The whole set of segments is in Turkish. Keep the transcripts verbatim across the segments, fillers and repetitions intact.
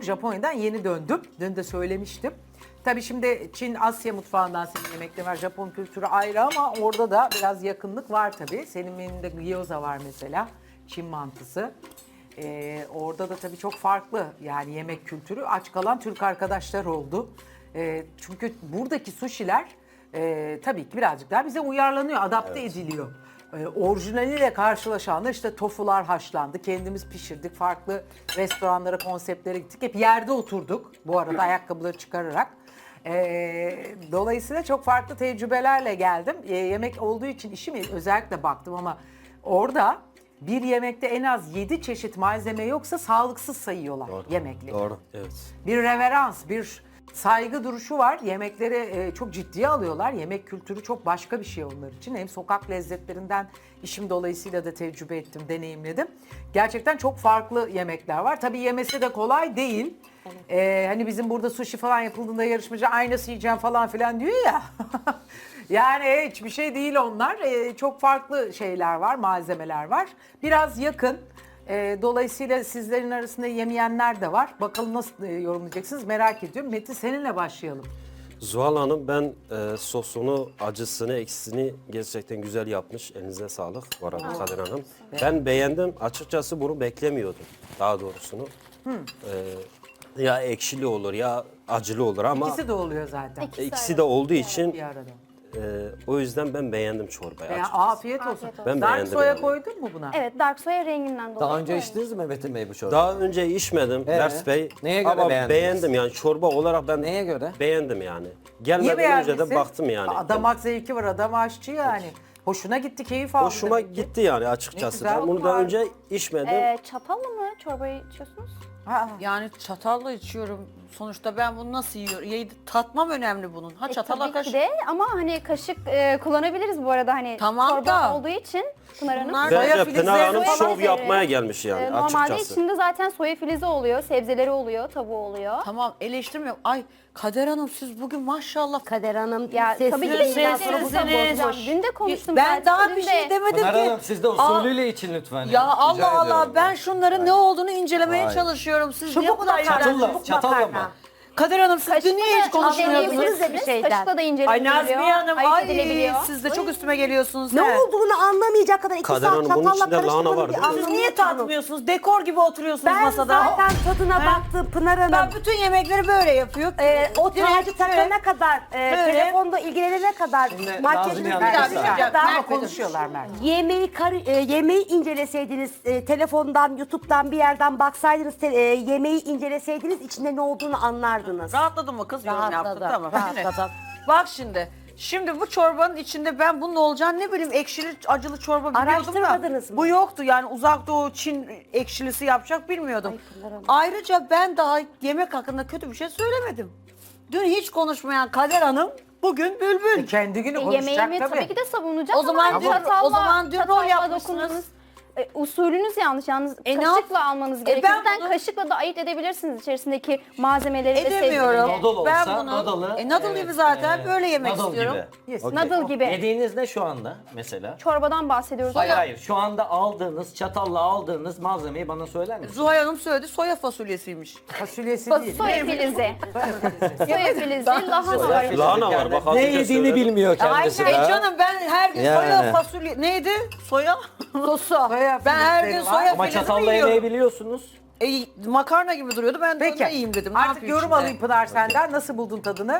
Japonya'dan yeni döndüm. Dün de söylemiştim. Tabii şimdi Çin, Asya mutfağından senin yemekleri var. Japon kültürü ayrı ama orada da biraz yakınlık var tabii. Senin menünde gyoza var mesela. Çin mantısı. Ee, orada da tabii çok farklı yani yemek kültürü. Aç kalan Türk arkadaşlar oldu. Ee, çünkü buradaki suşiler e, tabii ki birazcık daha bize uyarlanıyor, adapte ediliyor. Ee, orijinaliyle karşılaşanlar işte tofular haşlandı, kendimiz pişirdik, farklı restoranlara, konseptlere gittik. Hep yerde oturduk bu arada ayakkabıları çıkararak. Ee, dolayısıyla çok farklı tecrübelerle geldim. Ee, yemek olduğu için işime özellikle baktım ama orada bir yemekte en az yedi çeşit malzeme yoksa sağlıksız sayıyorlar yemekleri. Doğru. Evet. Bir reverans, bir saygı duruşu var. Yemekleri e, çok ciddiye alıyorlar. Yemek kültürü çok başka bir şey onlar için. Hem sokak lezzetlerinden işim dolayısıyla da tecrübe ettim, deneyimledim. Gerçekten çok farklı yemekler var. Tabii yemesi de kolay değil. Ee, hani bizim burada sushi falan yapıldığında yarışmacı aynası yiyeceğim falan filan diyor ya. Yani hiçbir şey değil onlar. Ee, çok farklı şeyler var, malzemeler var. Biraz yakın. Ee, dolayısıyla sizlerin arasında yemeyenler de var. Bakalım nasıl e, yorumlayacaksınız merak ediyorum. Metin seninle başlayalım. Zuhal Hanım ben e, sosunu, acısını, eksisini gerçekten güzel yapmış. Elinize sağlık bu arada Kadir Hanım. Ben beğendim. Açıkçası bunu beklemiyordum daha doğrusunu. E, ya ekşili olur ya acılı olur ama İkisi de oluyor zaten. İkisi ikisi de olduğu için Bir arada. e, o yüzden ben beğendim çorbayı. Ya, açıkçası. afiyet olsun. Afiyet olsun. Ben Dark beğendim soya yani. koydun mu buna? Evet, dark soya renginden dolayı. Daha önce koymuş. içtiniz mi Metin Bey bu çorbayı? Daha önce içmedim Ee, Ders Bey. neye göre ama beğendiniz? beğendim yani çorba olarak ben Neye göre? beğendim yani. Niye Gelmeden önce beğendin? de baktım yani. Aa, damak zevki var, adam aşçı yani. Hoşuna gitti, keyif aldı. Hoşuma demek ki. gitti yani Ne açıkçası. güzel. Ben bunu daha önce içmedim. Ee, çatalla mı çorbayı içiyorsunuz? Ha, Yani çatalla içiyorum. Sonuçta ben bunu nasıl yiyorum? Ye- Tatmam önemli bunun. Ha E, çatalla tabii kaşık. ki de ama hani kaşık e, kullanabiliriz bu arada hani Tamam çorba da. olduğu için Pınar Hanım. Bunlar- Soya Bence filizleri Pınar Hanım olan şov şeyleri- yapmaya gelmiş yani E, normalde açıkçası. içinde zaten soya filizi oluyor, sebzeleri oluyor, tavuğu oluyor. Tamam eleştirmiyorum. Ay Kader Hanım siz bugün maşallah. Kader Hanım Ya sesli tabii ki de Sesiniz, şimdi sesiniz. bozacağım. Dün de konuştum Ben zaten. daha Dün bir şey de- demedim Pınar ki. Hanım siz de usulüyle için lütfen. Ya Rica Allah Allah ediyorum. ben şunların ne olduğunu incelemeye Hayır. çalışıyorum. Siz niye bu Çubuk kadar makarna. ilgilendiniz? Çatalla, çatalla mı? Kader Hanım siz dün niye hiç Kaşıkla da konuşmuyordunuz? inceleyebilirsiniz, bir şeyden. Kaşıkla da Ay inceleyebiliyor. Nazmiye Hanım ayırt ay edilebiliyor. siz de çok üstüme geliyorsunuz. Ne he. olduğunu anlamayacak kadar iki Kader saat Hanım, bunun çatalla içinde lahana karıştırmanın var bir değil mi? anlamı Siz niye yok bunun. tatmıyorsunuz? Dekor gibi oturuyorsunuz Ben masada. zaten tadına He? baktım Pınar Hanım. Ben bütün yemekleri böyle yapıyor. Ee, o Direkt tacı takana kadar, e, Böyle. telefonda ilgilenene kadar, Şimdi makyajını Nazmiye Hanım, bitirene bir saniye. kadar ama konuşuyorlar Mert. yemeği, kar- e, yemeği inceleseydiniz, e, telefondan, YouTube'dan bir yerden baksaydınız, te- e, yemeği inceleseydiniz içinde ne olduğunu anlardınız. Rahatladın mı kız? Yorum yaptın Rahatladım, tamam. rahatladım. Şimdi, bak şimdi. Şimdi bu çorbanın içinde ben bunun olacağını ne bileyim ekşili acılı çorba biliyordum da. Araştırmadınız mı? Bu yoktu yani uzak doğu Çin ekşilisi yapacak bilmiyordum. Ay, Pınar Hanım. Ayrıca ben daha yemek hakkında kötü bir şey söylemedim. Dün hiç konuşmayan Kader Hanım bugün bülbül. Kendi günü E, konuşacak yemeğimi tabii. tabii. ki de savunacağım O zaman ama dün- çatalla, o zaman dün rol çatalla yapmışsınız. dokundunuz. E, usulünüz yanlış. Yalnız E, ne kaşıkla yap- almanız E, gerekiyor. ben Zaten bunu- kaşıkla da ayırt edebilirsiniz içerisindeki malzemeleri ve Edemiyorum. sebzeleri. Noodle Ben olsa bunu- noodle'ı, E, noodle evet, gibi zaten e, böyle yemek noodle istiyorum. Gibi. Yes. Okey. Noodle gibi. Yediğiniz ne şu anda mesela? Çorbadan bahsediyoruz Hayır ama hayır şu anda aldığınız, çatalla aldığınız malzemeyi bana söyler misiniz? Zuhal Hanım söyledi soya fasulyesiymiş. Fasulyesi Fa- değil. soya filizi. Soya filizi, lahana var. Lahana var bak az Ne önce yediğini söyledim. bilmiyor kendisi E de. canım ben her gün Yani. soya fasulye neydi? Soya sosu. Soya Ben her filizleri gün var. soya Ama filizini çatalla yiyorum. yemeği biliyorsunuz. E, makarna gibi duruyordu. Ben de Peki. onu yiyeyim dedim. Ne Artık yapayım yorum şimdi? alayım Pınar senden. Nasıl buldun tadını?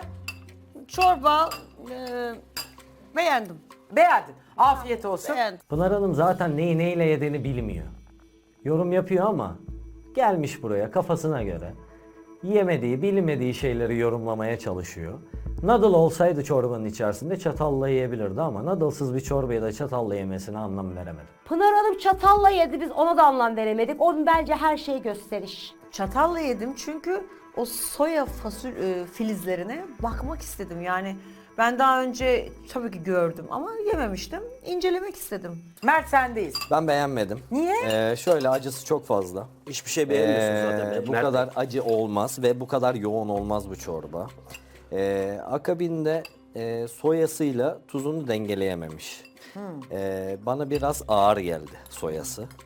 Çorba e, beğendim. Beğendin. Afiyet olsun. Beğendim. Pınar Hanım zaten neyi neyle yediğini bilmiyor. Yorum yapıyor ama gelmiş buraya kafasına göre yemediği, bilmediği şeyleri yorumlamaya çalışıyor. Noodle olsaydı çorbanın içerisinde çatalla yiyebilirdi ama noodle'sız bir çorbayı da çatalla yemesine anlam veremedim. Pınar Hanım çatalla yedi, biz ona da anlam veremedik. Onun bence her şey gösteriş. Çatalla yedim çünkü o soya fasul e, filizlerine bakmak istedim. Yani ben daha önce tabii ki gördüm ama yememiştim. İncelemek istedim. Mert sendeyiz. Ben beğenmedim. Niye? Ee, şöyle acısı çok fazla. Hiçbir şey beğenmiyorsunuz Ee, zaten. bu Mert- kadar acı olmaz ve bu kadar yoğun olmaz bu çorba. Ee, akabinde e, soyasıyla tuzunu dengeleyememiş. Ee, bana biraz ağır geldi soyası.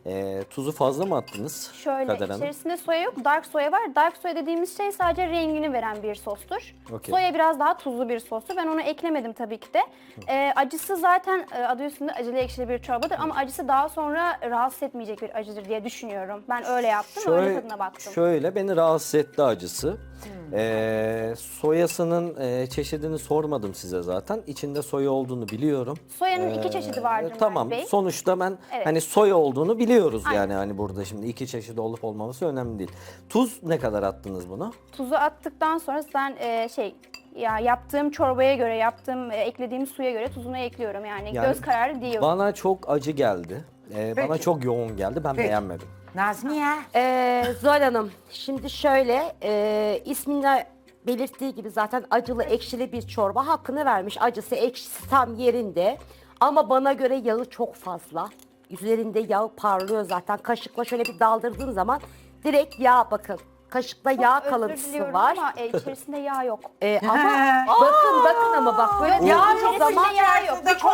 Ee, tuzu fazla mı attınız Şöyle Kader Hanım? içerisinde soya yok, dark soya var. Dark soya dediğimiz şey sadece rengini veren bir sostur. Okey. Soya biraz daha tuzlu bir sostur. Ben onu eklemedim tabii ki de. Ee, acısı zaten e, adı üstünde acılı ekşili bir çorbadır ama acısı daha sonra rahatsız etmeyecek bir acıdır diye düşünüyorum. Ben öyle yaptım, öyle tadına baktım. Şöyle beni rahatsız etti acısı. Hmm. Ee, soyasının e, çeşidini sormadım size zaten. İçinde soya olduğunu biliyorum. Soyanın iki çeşidi vardır Mert Tamam. Bey. Sonuçta ben Evet. hani soya olduğunu biliyoruz Aynen. yani hani burada şimdi iki çeşidi olup olmaması önemli değil. Tuz ne kadar attınız buna? Tuzu attıktan sonra ben e, şey ya yaptığım çorbaya göre, yaptığım e, eklediğim suya göre tuzunu ekliyorum yani, Yani göz kararı değil. Bana çok acı geldi. Ee, bana Peki. çok yoğun geldi. Ben Peki. beğenmedim. Nazmiye. Ee, Zuhal Hanım, şimdi şöyle, e, isminde belirttiği gibi zaten acılı ekşili bir çorba, hakkını vermiş. Acısı ekşisi tam yerinde ama bana göre yağı çok fazla. Üzerinde yağ parlıyor zaten. Kaşıkla şöyle bir daldırdığın zaman direkt yağ, bakın. Kaşıkta Çok yağ özür kalıntısı diliyorum var. ama e, içerisinde yağ yok. Ee, ama bakın bakın ama bak böyle Ya olduğu zaman yağ yok. Bir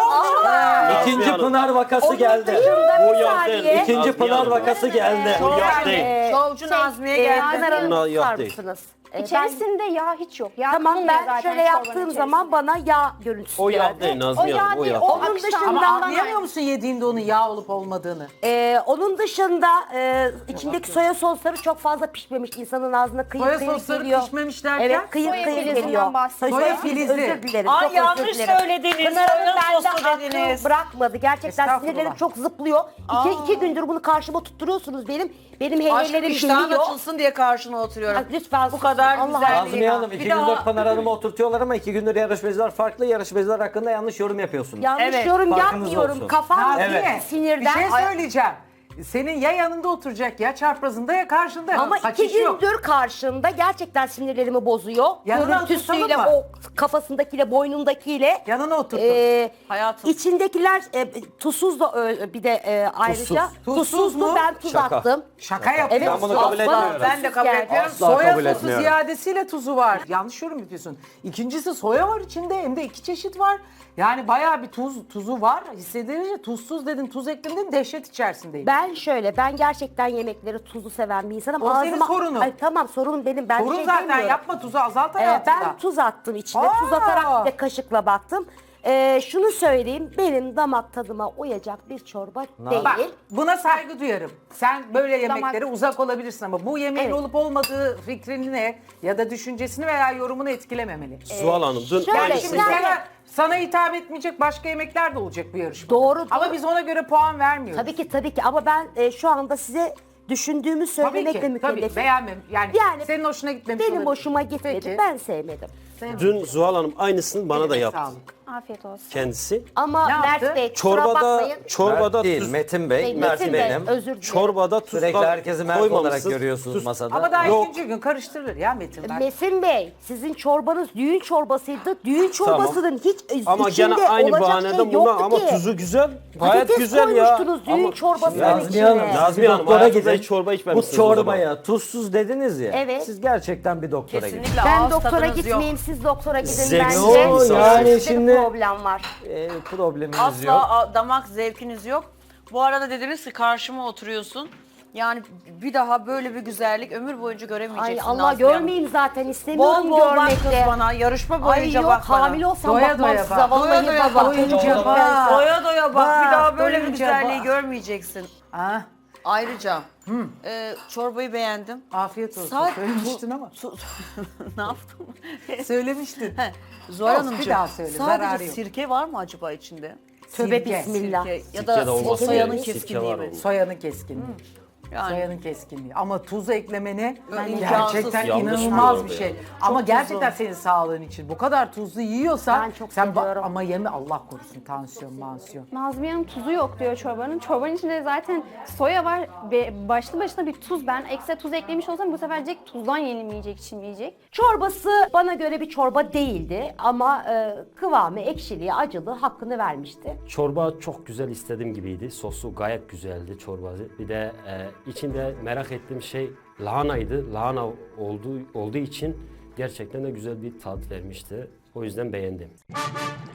İkinci Pınar vakası onun geldi. dışında Bu bir yağ değil. saniye. İkinci Nazmiye Pınar Hanım. vakası geldi. Bu yağ değil. Ee, Şovcu Nazmiye e, geldi. Pınar Hanım, Bunlar yok tutar değil. mısınız? Ee, ben- İçerisinde yağ hiç yok. Yağ Tamam, kalmıyor ben zaten şöyle çorbanın yaptığım zaman içerisinde. bana yağ görüntüsü O yağ geldi. değil O Nazmiye yağ Hanım. O değil, yağ. o Onun akışkan. dışında- Ama Ama anlayamıyor musun yediğinde onun yağ olup olmadığını? Ee, onun dışında e, içindeki soya sosları çok fazla pişmemiş. İnsanın ağzına kıyır Soya kıyır sosları geliyor. pişmemiş derken? Evet, kıyır Soya kıyır filizinden geliyor. bahsediyorum. Soya filizi. Özür dilerim. Ay, çok özür yanlış dilerim. söylediniz. Pınar Hanım Soya bende sosu hakkı dediniz. bırakmadı. Gerçekten Estağfurullah. sinirlerim çok zıplıyor. İki, iki gündür bunu karşıma tutturuyorsunuz benim. Benim Aşkım heyelerim iştahın geliyor. açılsın diye karşına oturuyorum. Ay, lütfen Bu kadar Allah güzel. Allah. Nazmiye Hanım Bir iki daha- gündür Pınar Hanım'ı oturtuyorlar ama iki gündür yarışmacılar farklı. Yarışmacılar hakkında yanlış yorum yapıyorsunuz. Yanlış Evet, yorum farkınız yapmıyorum. olsun. Kafam Nazmiye, sinirden. bir şey Ay- söyleyeceğim. Senin ya yanında oturacak ya çaprazında ya karşında. Ama Kaçış iki yok. gündür karşımda gerçekten sinirlerimi bozuyor. Yanına Görüntüsüyle, oturtalım mı? o kafasındakiyle, boynundakiyle. Yanına oturtun. Ee, Hayatım. İçindekiler e, tuzsuz da ö- bir de e, ayrıca Tuzsuz. Tuzsuz tuzsuzdu, mu? ben tuz Şaka. attım. Şaka Evet, yapıyorsun. Ben bunu kabul asla etmiyorum. Ben de kabul tuzsuz etmiyorum. geldi. Asla Soya kabul sosu etmiyorum. ziyadesiyle tuzu var. Yanlış yorum yapıyorsun. İkincisi soya var içinde, hem de iki çeşit var. Yani bayağı bir tuz tuzu var. Hissedilince tuzsuz dedin, tuz ekledin, dehşet içerisindeyim. Ben şöyle, ben gerçekten yemekleri tuzlu seven bir insanım. O senin sorunun. Ay, tamam, sorunum benim. Ben bir Sorun şey zaten demiyorum. yapma, tuzu azalt Ee, hayatında. ben tuz attım içine. Aa! Tuz atarak bir de kaşıkla baktım. Ee, şunu söyleyeyim, benim damak tadıma uyacak bir çorba değil. Bak, buna saygı duyarım. Sen böyle yemeklere Damak- uzak olabilirsin ama bu yemeğin Evet. olup olmadığı fikrini ne ya da düşüncesini veya yorumunu etkilememeli. Zuhal Hanım dün şöyle, Yani aynısını şimdi yani- sana, sana hitap etmeyecek başka yemekler de olacak bu yarışmada. Doğru, Ama doğru. biz ona göre puan vermiyoruz. Tabii ki, tabii ki, ama ben e, şu anda size düşündüğümü Tabii söylemekle ki. Tabii mükellefim. beğenmem. Yani, Yani senin hoşuna gitmemiş Benim olabilir. hoşuma gitmedi. Peki. Ben sevmedim. dün Zuhal Hanım aynısını bana da Eline yaptı. sağlık. Afiyet olsun. Kendisi. Ama Ne Mert yaptı? Bey, kusura Çorbada bakmayın. çorbada Mert değil, tuz, Metin Bey. Metin Mert Bey, benim. özür dilerim. çorbada tuz Sürekli herkesi Mert olarak görüyorsunuz masada. Ama daha Yok. ikinci gün karıştırılır ya Metin. Bey. Metin Bey, sizin çorbanız düğün çorbasıydı. Düğün çorbasının hiç Ama içinde gene aynı olacak bahaneden şey buna yoktu ama ki. tuzu güzel. Gayet Patates güzel ya. koymuştunuz düğün Ama çorbasının Nazmiye içine. Hanım, siz Nazmiye bir Hanım, doktora hayatınızda gidin. hiç çorba Bu içmemişsiniz o çorbaya tuzsuz dediniz ya. Evet. Siz gerçekten bir doktora gidin. Kesinlikle Ben ağız doktora tadınız gitmeyeyim, siz doktora gidin Zevksiz bence. bir insan. Yani Sizde bir şimdi- problem var. Ee, problemimiz Asla yok. a- damak zevkiniz yok. Bu arada dediniz ki karşıma oturuyorsun. Yani bir daha böyle bir güzellik ömür boyunca Ay göremeyeceksin. Allah, Nazmiye Hanım. görmeyeyim zaten, istemiyorum Bol bol bak görmek kız de. bana. Yarışma Ay boyunca yok, bak bana. hamile olsam Doya bakmam doya size, bak. vallahi Doya doya bak. bak. Doyunca bak. Doya doya bak. Bir daha böyle bir doyunca güzelliği bak. görmeyeceksin. Ha, Ayrıca e, çorbayı beğendim. afiyet olsun. Saat- Söylemiştin ama. Su- ne yaptım? Söylemiştin. He, Zuhal Olsun, bir Hanımcığım, daha söyle, zararı sadece yok. sirke var mı acaba içinde? Tövbe Sirke, bismillah. Sirke ya Sirke da de olması soyanın gerekiyor. Sirke keskinliği var mi? onun. Soyanın keskinliği. Yani Soyanın keskinliği. Ama tuz eklemeni Yani gerçekten imkansız. Yanlış inanılmaz bu bir arada şey. ya. Ama Çok gerçekten tuzlu. senin sağlığın için. Bu kadar tuzlu yiyorsan Ben çok sen ba- seviyorum. ama yeme Allah korusun tansiyon, mansiyon. Nazmiye Hanım tuzu yok diyor çorbanın. Çorbanın içinde zaten soya var ve başlı başına bir tuz. Ben ekstra tuz eklemiş olsam bu sefer diyecek tuzdan yenilmeyecek, içilmeyecek. Çorbası bana göre bir çorba değildi ama e, kıvamı, ekşiliği, acılığı hakkını vermişti. Çorba çok güzel, istediğim gibiydi. Sosu gayet güzeldi çorbası. Bir de e, içinde merak ettiğim şey lahanaydı. Lahana olduğu olduğu için gerçekten de güzel bir tat vermişti. O yüzden beğendim.